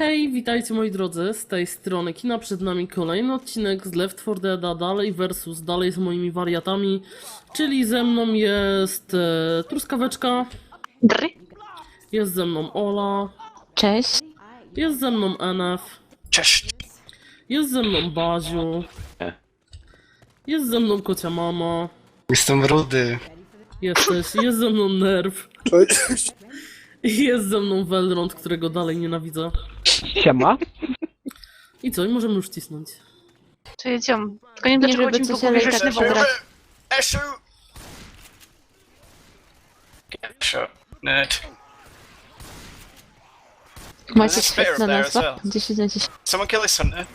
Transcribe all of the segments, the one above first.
Hej, witajcie moi drodzy, z tej strony Kina, przed nami kolejny odcinek z Left 4 Dead, dalej versus, dalej z moimi wariatami, czyli ze mną jest Truskaweczka, Dry. jest ze mną Ola, Cześć. jest ze mną NF, Cześć. jest ze mną Baziu, jest ze mną Kocia Mama, Jestem rudy. jest ze mną Nerw i jest ze mną Velrond, którego dalej nienawidzę. Siema. I co, i możemy już cisnąć. To jedziemy. Tylko nie wiem, dlaczego żeby chodzi mi po coś, ale głowie, i że tak w ogóle... Eshu! Get shot, nerd. Macie There's a spear świetna up there as nazwa. well. 10 na 10. Someone kill this hunter.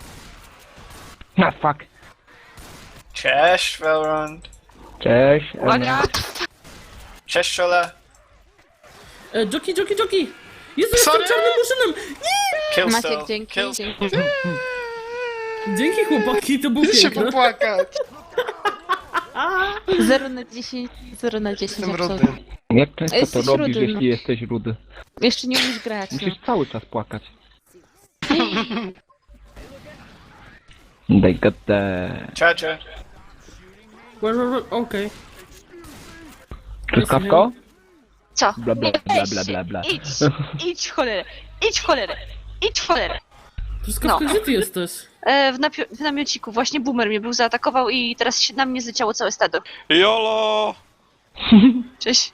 Na fuck. Cześć, Velrond. Cześć. Uwaga! Cześć, Shola. Joki! Jezu, jestem Sorry. czarnym murzynem! Kill Maciek, still. dzięki, Kill dzięki. Dzięki chłopaki, to było się piękne. popłakać. 0 na 10, 0 na 10. Jestem rudy. absolutnie. Jak często to Jesteś robisz, rudy, no. jeśli jesteś rudy? Jeszcze nie umiesz grać, no. Musisz cały czas płakać. They got the... Charger. Okej. Truskawko? Co? Bla bla Nie bla weź bla się. bla bla. Idź w cholerę! Idź w cholerę! Idź w cholerę! Truskawka, No. gdzie ty jesteś? W namiociku. Właśnie boomer mnie był, zaatakował i teraz się na mnie zleciało całe stado. YOLO! Cześć.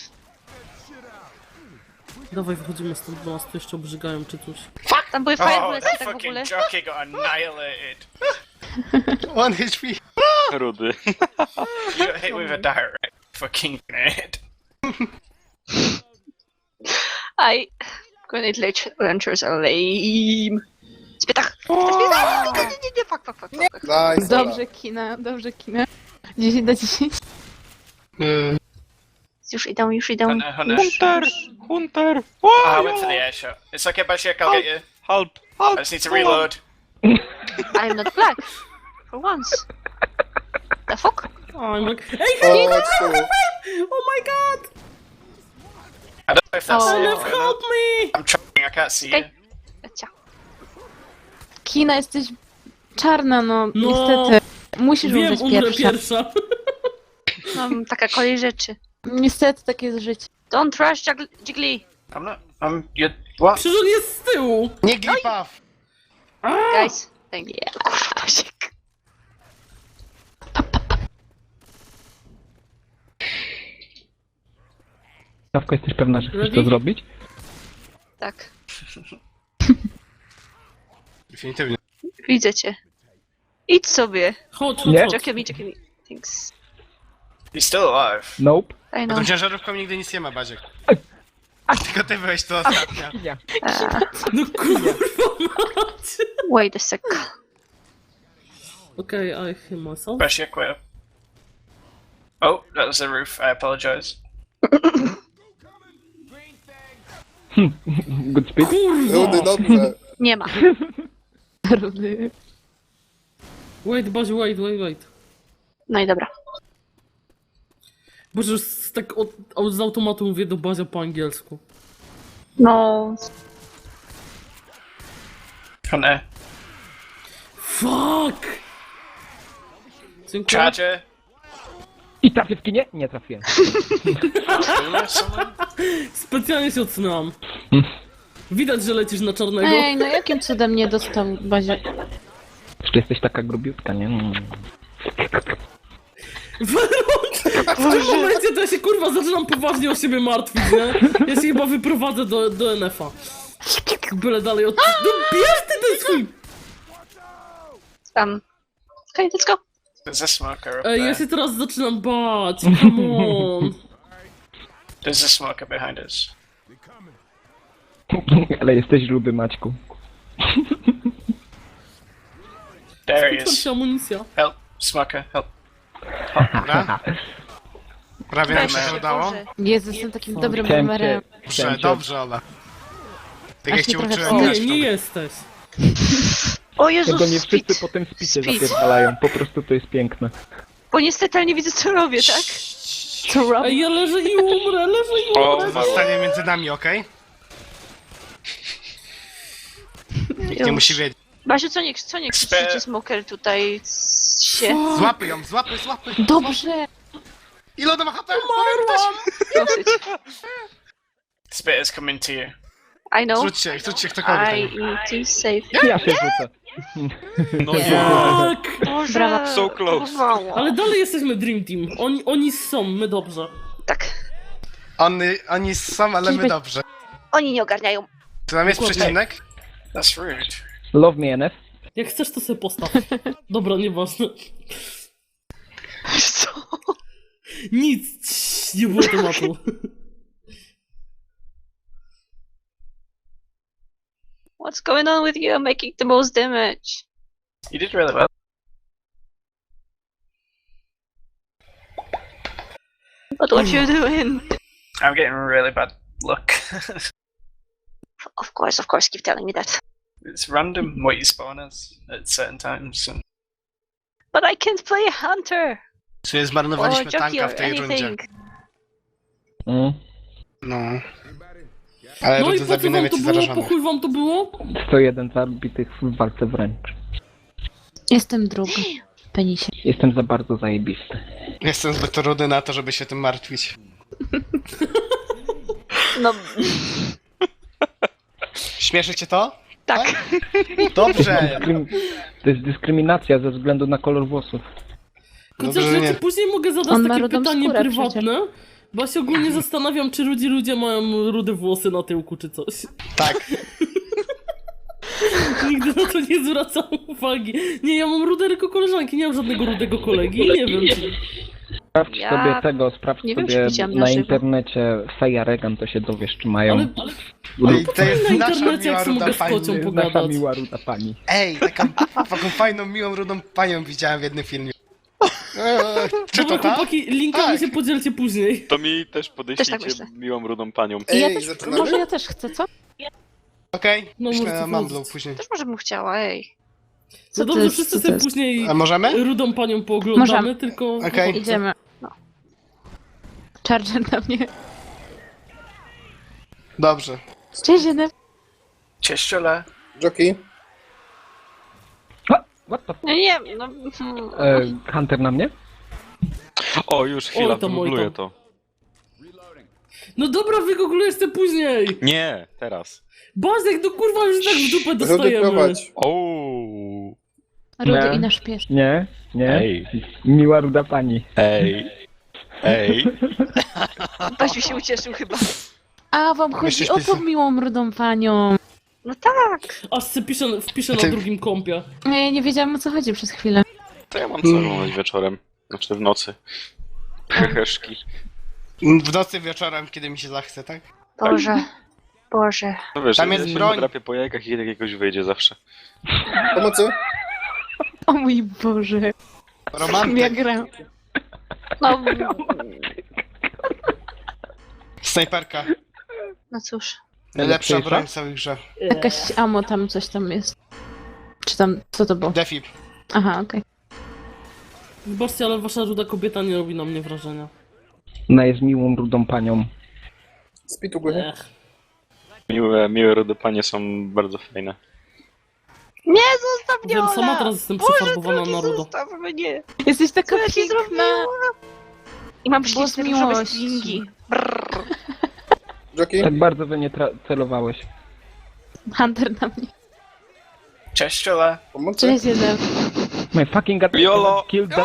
Dawaj, wychodzimy stąd, bo nas tu jeszcze obrzygają czy coś. Tam były Oh, firebulletsy that tak w fucking ogóle. jockey got annihilated. 1 HP. Rudy. You got hit with a direct fucking grenade. Grenade launchers are lame. Spytach! Nie, fuck. Nice. Dobrze kina, dobrze kina. 10 na 10. Już idą. Hunter. Hunter! Ah, I went for the air shot. It's okay, Bashir, I'll get you. Help! I just need to reload. I'm not black. For once. The fuck? I'm like, hey, O, co? oh my god! I don't know if that's Oh. it. NF, help me! I'm trying, I can't see you. Okay. Cia. Kina, jesteś czarna, no. No. Niestety. Musisz Wiem, umrzeć umrę pierwsza. pierwsza. Mam taka kolej rzeczy. Niestety, takie jest życie. Don't rush, Jiggly. I'm not. You. What? Przecież on jest z tyłu! Nie glipaw! Guys. Thank you. Kurwa, siek. Truskawko, jesteś pewna, że chcesz Ready? to zrobić? Tak. Definitywnie. Widzę cię. Idź sobie. Chodź, Nie. chodź. Jockey me. Thanks. He's still alive. Nope. I No know. tą ciężarówką nigdy nic nie ma, Baziek. Tylko ty byłeś tu ostatnio. Nie. No kurwa mać! Wait a sec. Okej, I heal myself. Bashir, quit. Oh, that was the roof. I apologize. Good speed. Rudy, dobrze. Nie ma. Rudy. Wait, Baziu, wait. No i dobra. Boże, już tak z automatu mówię do Bazia po angielsku. No. Hunter. Fuck! Dziękuję. Charger. I trafię w kinie? Nie trafiłem. Boomer, someone? Specjalnie się odsunęłam. Widać, że lecisz na czarnego. Ej, no jakim cudem nie dostał Bazia? Jeszcze jesteś taka grubiutka, nie? W tym momencie to ja się kurwa zaczynam poważnie o siebie martwić, nie? Ja się chyba wyprowadzę do NF-a. Byle dalej od... No bierz ty ten swój... Okay, let's go. There's a smoker up Ej, ja there. się teraz zaczynam bać, come on. There's a smoker behind us. Ale jesteś rudy, Maćku. There he Tam is. się amunicja. Help. Smoker, help. Dobra. Prawie nam się to udało. Boże. Jezu, jestem takim dobrym Chciałem numerem. cię... Dobrze, chciałem cię- dobrze, Ola. Tak jak Aż cię mi trochę uczyłem Nie, grać w nie to. jesteś. O Jezus, Tego nie wszyscy speed. potem w spicie Speed. zapierdalają, po prostu to jest piękne. Bo niestety ja nie widzę co robię, tak? Co robię? Ej, ja leżę i umrę, leżę i O, umrę. Zostanie między nami, okej? Nikt nie Już. musi wiedzieć. Basiu, co nie krzyczycie Smoker tutaj się? Złapy ją, złapy! Dobrze! Ile ona ma HP? Dosyć. Spit is coming to you. I know. Rzućcie ktokolwiek. I need to save. Ja się rzucę. No nie. Tak! Boże, Brawo. So close. próbowało. Ale dalej jesteśmy Dream Team. Oni są, my dobrze. Tak. Oni są, ale my Czyżby- dobrze. Oni nie ogarniają. Czy tam jest Dokładnie. przecinek? That's rude. Love me, NF. Jak chcesz, to sobie postaw. Dobra, nieważne. Co? Nic, nie było tematu. What's going on with you? I'm making the most damage. You did really well. But what you doing? I'm getting really bad luck. Of course, keep telling me that. It's random what you spawn as at certain times. And But I can't play a hunter Czy or zmarnowaliśmy jockey tanka or w tej rundzie? anything. No. Ale No i rundy po co zabiły wam to najwięcej było? Po zarażonych. chuj wam to było? 101 zabitych w walce wręcz. Jestem druga. Penisie. Jestem za bardzo zajebisty. Jestem zbyt rudy na to, żeby się tym martwić. No, Śmieszy cię to? tak. Dobrze! To jest dyskryminacja ze względu na kolor włosów. Chociaż Dobrze, że ja nie. ci później mogę zadać On ma takie rudą pytanie skórę prywatne, bo ja się ogólnie zastanawiam, czy rudzi ludzie mają rude włosy na tyłku, czy coś. Tak. Nigdy na to nie zwracam uwagi. Nie, ja mam rude tylko koleżanki, nie mam żadnego rudego kolegi. Nie wiem, czy... Sprawdź Ja sobie tego, sprawdź nie wiem, czy sobie widziałam na na żywo. internecie Feja Regan, to się dowiesz, czy mają. Ale I to jest na nasza internecie, miła jak sobie ruda mogę z pani. kocią Nasza pogadać. miła ruda pani. Ej, taką fajną, miłą, rudą panią widziałem w jednym filmie. Czy to Dobra, ta? chłopaki, linkami Tak. się podzielcie później. To mi też Też podeślijcie tak myślę. miłą rudą panią. I ja Ej, też, zaczynamy? może ja też chcę, co? Okej, No, myślę możecie na Mamblu wchodzić. później. Też może bym chciała, ej. No to dobrze, jest- wszyscy co to sobie jest? później A możemy? rudą panią pooglądamy, Możemy. tylko... Okej. Idziemy. Charger na mnie. Dobrze. Cześć, jeden. Cześć, Jola. Jockey? What the f... Nie, no... Hunter na mnie? O, już chwila, Oj tam, oj wygoogluję tam. to. No dobra, wygooglujesz to później! Nie, teraz. Bazek, no kurwa, już tak w dupę Rudy dostajemy. prowadź. Ooo. Rudy Nie. i nasz pies. Nie, nie. Ej, Miła ruda pani. ej, ej. Basiu się ucieszył chyba. A, wam chodzi Myślisz, o tą pisał? miłą rudą panią. No tak. Aż se wpiszę na Ty- drugim kompie. Ja nie wiedziałam, o co chodzi przez chwilę. To ja mam co oglądać wieczorem. Znaczy w nocy. Heheszki. W nocy wieczorem, kiedy mi się zachce, tak? Boże. Boże. No wiesz, Tam ja jest się broń. nadrapię po jajkach i jakiegoś wyjdzie zawsze. Pomocy? O mój Boże. Ja Romantyk. gram. No, Snajperka. no cóż. Najlepsza Najlepsza? broń w całej grze. Jakaś amo tam, coś tam jest. Czy tam, co to było? Defib. Aha, okej. Wybaczcie, ale wasza ruda kobieta nie robi na mnie wrażenia. Ona jest miłą rudą panią. Spit u góry. Ech. Miłe rude panie są bardzo fajne. Nie, zostaw mnie, Wiem, Ola! sama teraz jestem Boże, przefarbowana drogi, na rudo. zostaw mnie! Jesteś taka Co ja ci piękna. zrobiłam? I mam Głos przecież te różowe miłości. stringi. Brrr. Jockey? Tak bardzo we mnie celowałeś. Hunter na mnie. Cześć, Jola. Pomocy? Cześć, jeden. My fucking god Jolo! killed that...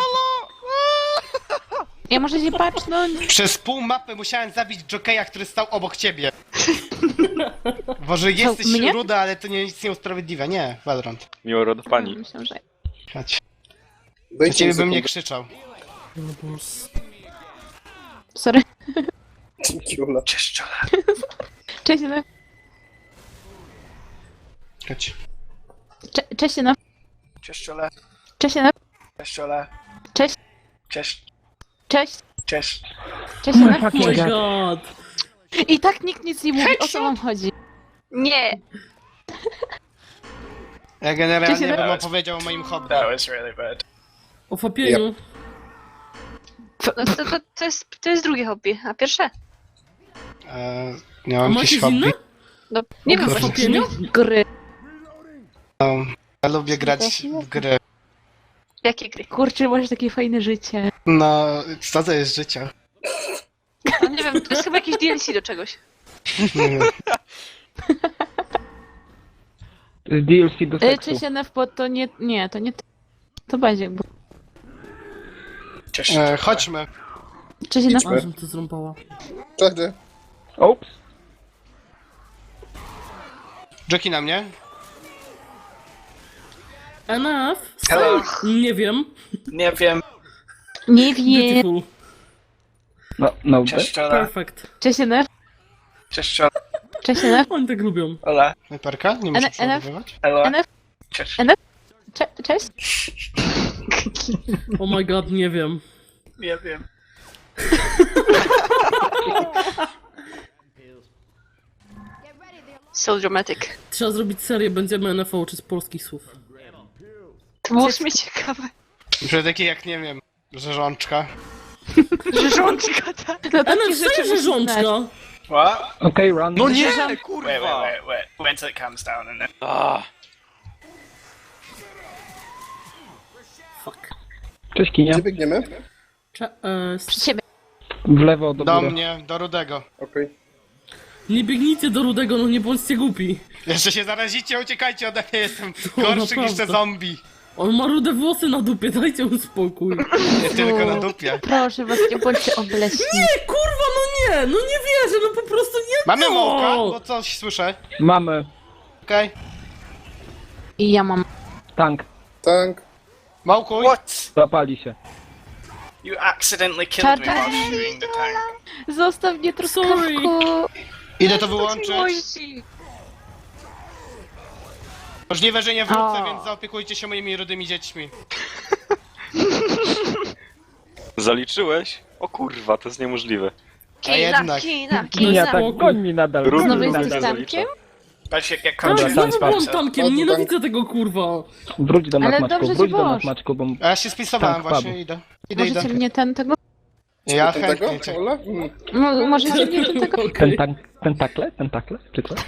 Ja muszę się pacznąć. Przez pół mapy musiałem zabić jokeja, który stał obok ciebie. Boże, jesteś mnie? ruda, ale to nic nie usprawiedliwia. Nie, Valorant. Miłe rude pani. Myślę, że... Chodź. Na Dajcie ciebie mi bym nie sekundę. krzyczał. No boss. Sorry. Dzięki, Ula. Cześć, Jola. Cześć, jeden. Chodź. Cześć, jeden. Cześć, Jola. Cześć, jeden. Cześć, Jola. Cześć. Cześć. Cześć. Cześć. Cześć, My jeden. Oh my fucking god. god. I tak nikt nic nie mówi, o co wam chodzi. Nie! Ja generalnie Cześć, bym Adam. opowiedział o moim hobby. That was really bad. O fapieniu. No to jest drugie hobby, a pierwsze? Nie A mam macie jakieś inne? hobby. No, nie wiem Oprócz właśnie. fapienia? Gry. Ja lubię grać w gry. Jakie gry? Kurczę, masz takie fajne życie. No, co to jest życie? No nie wiem, to jest chyba jakieś DLC do czegoś. Nie wiem. Z DLC do seksu. Cześć NFP, to nie... Nie, to nie... To będzie. Bo... Cześć. Chodźmy. Cześć NFP. A, żem to zrąbała. Czekaj. Ops. Joki na mnie. NF? Hello. Nie wiem. Nie wiem. Nie wiem. Beautiful. No, Cześć, Jola. Perfect. Cześć NF. Cześć, Jola. Cześć NF. Oni tak lubią. Hola. Snajperka? Nie muszę NF. przeładowywać. Hello. NF. Cześć. Cześć. Oh my god, nie wiem. Nie wiem. So dramatic. Trzeba zrobić serię, będziemy NFO uczyć polskich słów. To było w sumie ciekawe. Że takie jak, nie wiem, rzeżączka. Rzeżączka, tak. No takie NF, rzeczy że musisz znać. rzączka. What? Okej, run. No nie, Wait, kurwa! wait. Wait until it calms down and then. Ah, Fuck. Cześć Kinia. Gdzie biegniemy? Przy ciebie. W lewo do Do góry. mnie, do Rudego. Okej. Nie biegnijcie do Rudego, no nie bądźcie głupi. Jeszcze się zarazicie, uciekajcie ode mnie, jestem gorszy niż te naprawdę. zombie. On ma rude włosy na dupie, dajcie mu spokój. Nie tylko na dupie. Proszę was, nie bądźcie obleśni. Nie, kurwa, no nie wierzę, no po prostu nie. Mamy no. mołka, bo coś słyszę. Mamy Okej. I ja mam. tank. Tank. Małkuj. What? Zapali się. You accidentally killed me Czarny. while shooting the tank. Zostaw mnie truskawku. Idę to wyłączyć. Miłości. Możliwe, że nie wrócę, O. więc zaopiekujcie się moimi rudymi dziećmi. zaliczyłeś? O kurwa, to jest niemożliwe. A jednak. Kina. Kinia, tak spokój. goń mi nadal. Rudy Znowu goń mi jesteś nadal. tankiem? But shit, get Tak, Dobra, znowu tank, byłam tank. tankiem, nienawidzę tego kurwa. Wróć do nas, Ale Maczku, dobrze wróć ci do nas, poszło. Maczku, bo... A ja się spisowałem Tak, właśnie, padł. idę. Możecie mnie tego? Ja Tego? chętnie cię. Ola? Możecie mnie tego? Okej. Tentakle? Czy co?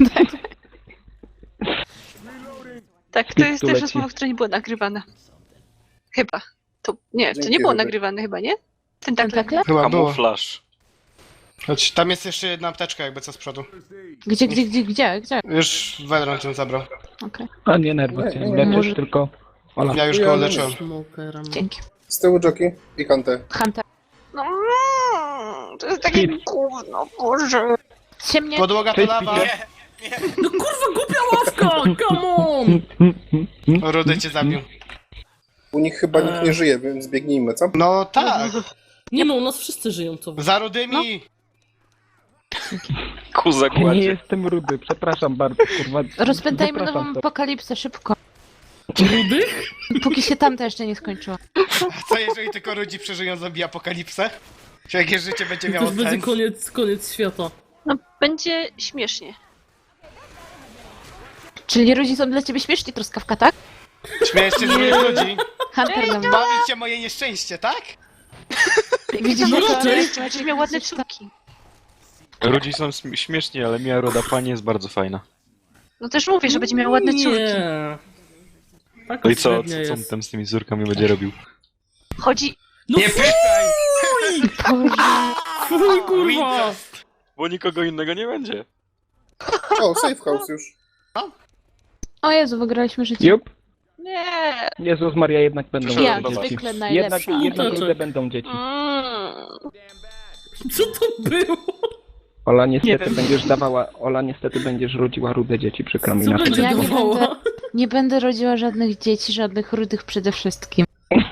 Tak, to jest Tu też leci. rozmowa, która nie była nagrywana. Chyba. To nie Dzięki, nie było Rudek. nagrywane chyba, nie? Ten tak. Tentakle? Chyba było. Kamuflaż. Choć tam jest jeszcze jedna apteczka jakby co z przodu. Gdzie? Już Wedron cię zabrał. Okej, A nie nerwuj się, leczysz Może- tylko... Ola. Ja już Ja go nie leczyłem. Smokerem. dzięki. Z tyłu Joki i Hunter. Hunter. No, to jest takie gówno, Boże. Ciemnie. Podłoga to Cześć, lawa. Peter. No kurwa, głupia ławka, come on! Rudy cię zabił. U nich chyba nikt nie żyje, więc biegnijmy, co? No tak. Nie no, u nas wszyscy żyją, co wy. Za Rudymi. Ku Ja nie zagładzie. jestem rudy, przepraszam bardzo, kurwa. Rozpętajmy Zapraszam nową to. apokalipsę szybko. Rudych? Póki się tamta jeszcze nie skończyła. Co jeżeli tylko ludzi przeżyją zombie apokalipsę? Czy jakie życie będzie To miało już będzie sens? koniec świata. No, będzie śmiesznie. Czyli ludzi są dla ciebie śmieszni, truskawka, tak? Śmiejesz się z moich ludzi? Hunter dla mnie. Bawić się moje nieszczęście, tak? Widzisz, No jak raczej. Będziesz miał ładne córki. Ludzi są śmieszni, ale Mia Roda Pani jest bardzo fajna. No też mówię, że będzie miał ładne córki. Nie. Tak No i co średnia on jest. tam z tymi córkami będzie robił? Chodzi... No Nie pytaj! fuj, kurwa! Bo nikogo innego nie będzie. O, safe house już. O Jezu, wygraliśmy życie. Jup. Nie. Jezus Maria, jednak będą Przyszedłem Jak do was. dzieci. zwykle Jednak najlepsza. Smuteczek. rude będą dzieci. Co to było? Ola niestety będziesz rodziła rude dzieci, przykro mi Co na to. będzie Ja nie dawała? Nie będę rodziła żadnych dzieci, żadnych rudych przede wszystkim.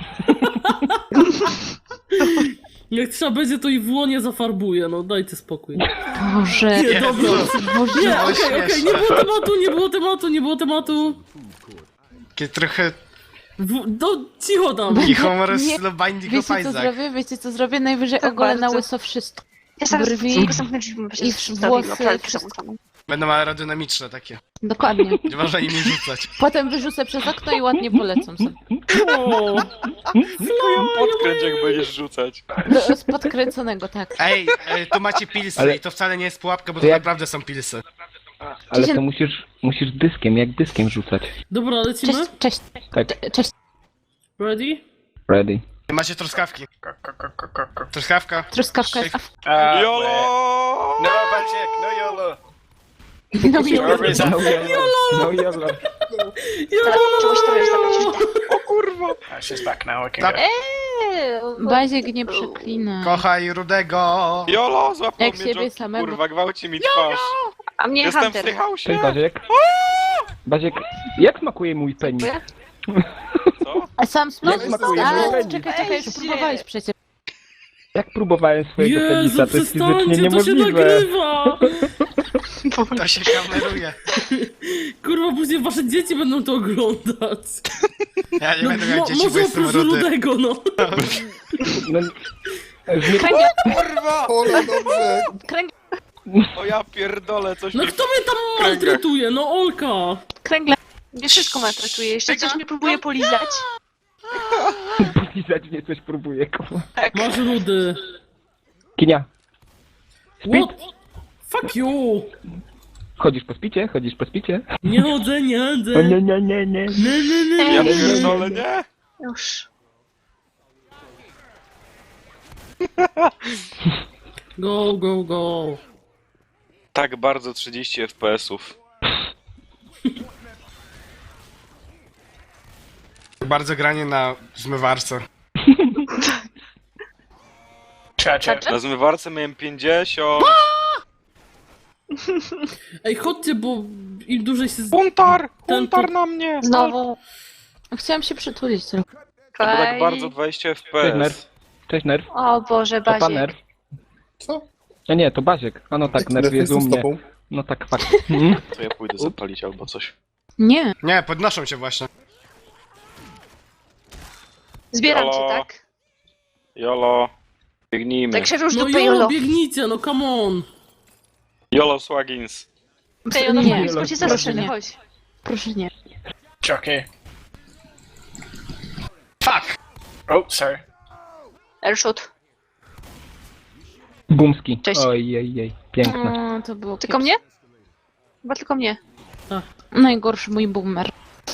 Jak trzeba będzie, to i w łonie zafarbuje, no dajcie spokój. Boże. Nie, dobra. Boże. Nie, ale okej, nie było tematu. Takie trochę Cicho tam. i humor Nie. z Binding of Wiecie co zrobię? Najwyżej Tak ogolę na bardzo. łyso wszystko. Ja zaraz Brwi tylko zamknę drzwi, bo się i zostawiła, włosy, pralkę wszystko. zamknęłam. Będą aerodynamiczne takie. Dokładnie. Nie można nimi rzucać. Potem wyrzucę przez okno i ładnie polecą sobie. O, Podkręć jak będziesz rzucać. Z podkręconego, tak. Ej, tu macie pilsy Ale- i to wcale nie jest pułapka, bo To to jak- naprawdę są pilsy. Ale to musisz dyskiem, jak dyskiem rzucać. Dobra, lecimy? Cześć. Tak, Cześć. Ready? ready. Nie macie truskawki. Truskawka. Truskawka jest... YOLO! No, Basiek, no YOLO. No i Whoever is that? No yolo. No yolo. Teraz czegoś trochę zabrać. She's back now, we can Tak. go. Baziek nie przeklina. Kochaj Rudego. YOLO! Złapał Jak mnie siebie Joki, samego. kurwa, gwałci mi twarz. A mnie Jestem w Hunter. tej hausie. Cześć Baziek. Baziek, jak smakuje mój penis? Co? A sam Jak smakuje mój penis? Czekaj, już próbowałeś przecież. Jak próbowałem swojego Jezu, penisa, to jest fizycznie przestańcie, to się niemożliwe. nagrywa! To się kameruje. Kurwa, później wasze dzieci będą to oglądać. Ja nie będę miał dzieci, bo Może jestem oprócz rudy. Rudego, no. No, Kurwa! Ola, dobrze. O ja pierdolę, coś No mi... kto mnie tam maltretuje? No Olka! Kręgle. Mnie wszystko maltretuje. Jeszcze coś mnie próbuje polizać. Polizać mnie coś próbuje, kurwa. Masz Rudy. Kinia, What? Fuck you! chodzisz po spicie? Chodzisz po spicie? Nie chodzę, nie chodzę. O nie, nie, nie, nie. Ja pierdolę, nie? Już. Go, go, go. Tak bardzo 30 FPS-ów. Bardzo granie na zmywarce. Cha-cha. Na zmywarce miałem 50. Ej, chodźcie, bo im dłużej się... Puntar! Ten Puntar na mnie! Znowu. Chciałam się przytulić trochę. To było tak Faj. bardzo 20 Cześć FPS. Nerw. Cześć Nerw. O Boże, To pan Baziek. Nerw. Co? A nie, to Baziek. A no tak, Nerw jest u Jestem z mnie. tobą. No tak, fakt. To ja pójdę zapalić albo coś. Nie. Nie, podnoszą cię właśnie. Zbieram Halo. cię, tak? YOLO. Biegnijmy. Tak się róż No dupy jolo, jolo. biegnijcie, no come on. YOLO Swaggins. Ej, ono Nie, blisko cię proszę zaskoczy, nie. chodź. Proszę nie. Jockey. Fuck! Oh, sorry. Airshot. Bumski. Cześć. Ojej, piękne. O, to było Tylko mnie? Chyba tylko mnie. Najgorszy mój boomer.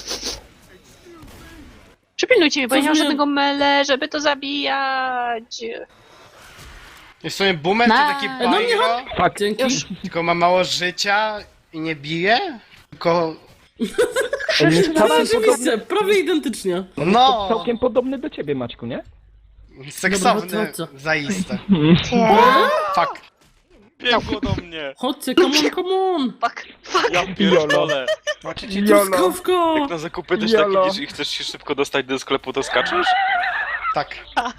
Przypilnujcie mnie, bo ja nie mam Coś mnie- żadnego mele, żeby to zabijać. Jest w sumie boomer, to taki No pyro, Fakt. Dzięki. tylko ma mało życia i nie bije. Tylko... Rzeczywiście, prawie identycznie. No! Całkiem podobny do ciebie, Maćku, nie? Seksowny, Dobra, chodźcie. zaiste. Nie. Fuck. Biegło do mnie! Chodźcie, come on, come on. Fuck. Ja pierdolę! Truskawka! Jak na zakupy też YOLO. tak idziesz i chcesz się szybko dostać do sklepu, to skaczesz? Tak.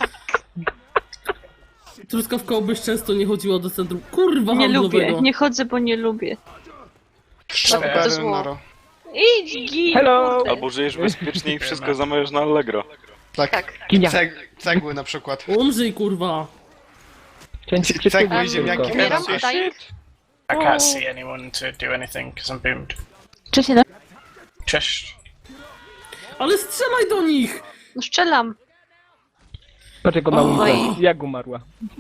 Truskawka obyś często nie chodziła do centrum. Kurwa Nie handlowego. lubię, nie chodzę, bo nie lubię. To zło. Noro. Idź, git. Hello! kurde. Albo żyjesz bezpiecznie i wszystko zamawiasz na Allegro. Tak. Kinia. Cegły na przykład. Umrzyj, kurwa. Chciałem ci Cegły przytulić i ziemniaki tylko. Umieram, Shit. daję. I can't see anyone to do anything because I'm boomed. Cześć, jeden. Cześć. Ale strzelaj do nich! No strzelam. Patrz jak ona Oj. umarła. Jak umarła.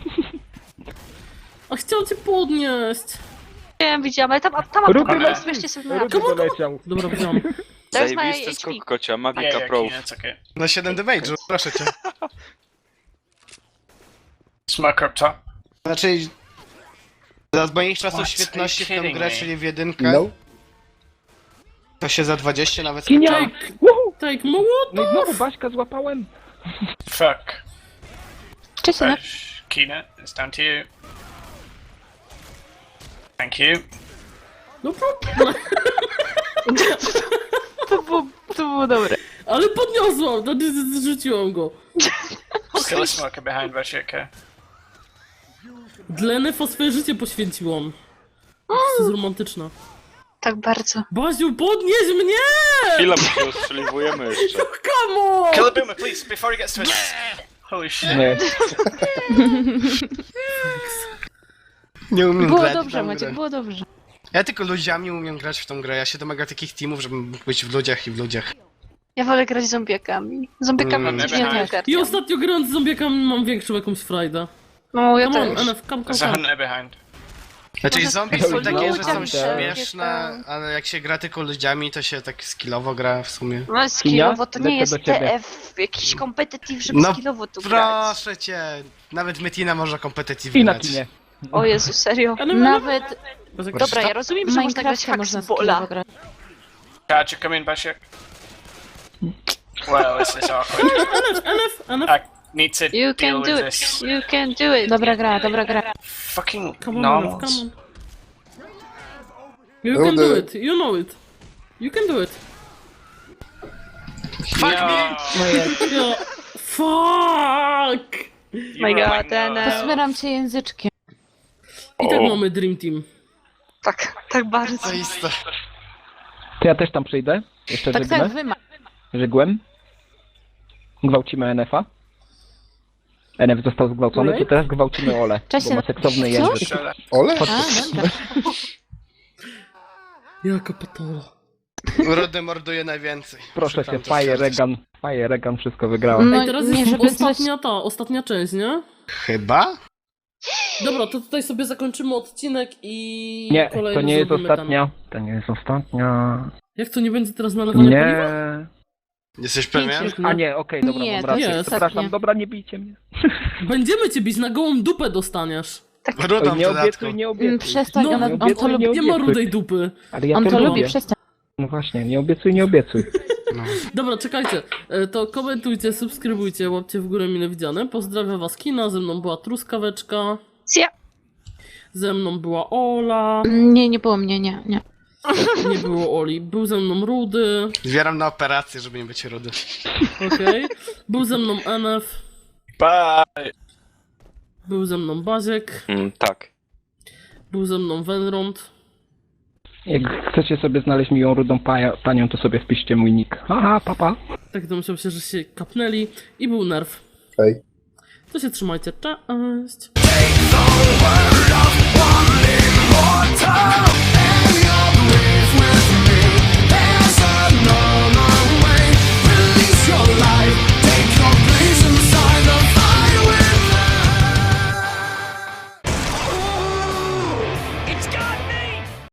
A chciał cię podnieść. Nie widziałam, ale tam Rudy tam leci. weźcie sobie na Rudy doleciał. Dobra, wziąłem. To jest moje Zajebisty HP. skok kocia, Yeah, magika yeah, pro. Keenan, it's okay. Na 7 damage'u, proszę cię. Smoke up top. Znaczy... Za moich czasów What? świetności w Are tę you grę, kidding me? czyli w jedynkę, No. to się za 20 nawet Kinia! skończyło. Woohoo! Tak, mołot! No i znowu Baśka złapałem. Fuck. Cześć, jeden. Keenan, it's down to you. Thank you. No To było dobre. ale podniosłam, no, zrzuciłam go. Still a smoker behind Bashir, okay? Dla Nefa swoje życie poświęciłam. To jest romantyczna. Tak bardzo. Baziu, podnieś mnie! Chwila, bo się ostrzeliwujemy jeszcze. Come on! Kill the boomer, please, before he gets to us. Holy shit. Nie. Nie umiem Było grać w dobrze, tę Maciek, grę. było dobrze. Ja tylko ludziami umiem grać w tą grę. Ja się domaga takich teamów, żebym mógł być w ludziach i w ludziach. Ja wolę grać z zombiakami. Zombiakami Mm. mm, Ja nie też. I ogarniam. ostatnio grając z zombiakami mam większą jakąś frajdę. No, ja Come on, też. NF, come. There's a hunter behind. Znaczy Może zombie tylko są takie, że są ludziom śmieszne, takie ale jak się gra tylko ludziami, to się tak skillowo gra w sumie. No skillowo to nie Lecę jest do ciebie. TF, jakiś kompetityw, żeby No, skillowo tu grać. Proszę cię, nawet Metina może kompetitywnie I na grać. kinie. O Jezu, serio? Nawet Dobra, ja rozumiem, że można grać Minecrafta można hacksbola. skillowo grać. Gotcha, come in, Bashir. Well, this is awkward. NF, I need to You deal can do with it, this. you can do it. Dobra gra, dobra gra. Fucking come on, NF, normals. come on. You can Rudy. do it, you know it. You can do it. Fuck me! Ja... Fuck! You My were god, like, no. NF. Posmieram cię języczkiem. I tak O. mamy Dream Team. Tak bardzo. Zaiste. To ja też tam przyjdę. Jeszcze Tak, żegnę. tak, wy ma. Żegłem. Gwałcimy NF-a. NF został zgwałcony, to Right. teraz gwałcimy Ole. Cześć, Bo ma NF. seksowny Co? język. Shut up. Ole? A, dobra. Jaka patola. Rudy morduje najwięcej. Proszę Muszę cię, tam to Fire Regan wszystko wygrała. No, Ej, teraz nie, jest żeby coś... ostatnia część, nie? Chyba? Dobra, to tutaj sobie zakończymy odcinek i Nie, kolejny to nie jest zrobimy ostatnia. To nie jest ostatnia. Jak to nie będzie teraz nalewania paliwa? Nie. Jesteś pewien? Pięknie. A nie, okej, dobra, Nie, mam to rację. jest Przepraszam, ostatnia. dobra, nie bijcie mnie. Będziemy cię bić, na gołą dupę dostaniesz. Rudą w Nie dodatku. obiecuj, nie obiecuj. Przestań, No, on to obiecuj, lubi. Nie ma rudej dupy. Ale ja On to lubię. lubi, przestań. No właśnie, nie obiecuj, nie obiecuj. Dobra, czekajcie. To komentujcie, subskrybujcie, łapcie w górę mile widziane. Pozdrawiam was Kina, ze mną była Truskaweczka, Ja. ze mną była Ola, Nie, nie było mnie, nie. nie było Oli, był ze mną Rudy, Zbieram na operację, żeby nie być rudy. okej. Był ze mną NF, Bye. był ze mną Baziek, Tak. był ze mną Wenrond. Jak chcecie sobie znaleźć miłą rudą panią, to sobie wpiszcie mój nick. Haha, papa. Tak domyślam się, że się kapnęli. I był Nerw. Hej. To się trzymajcie, cześć! Mortal, and your grace will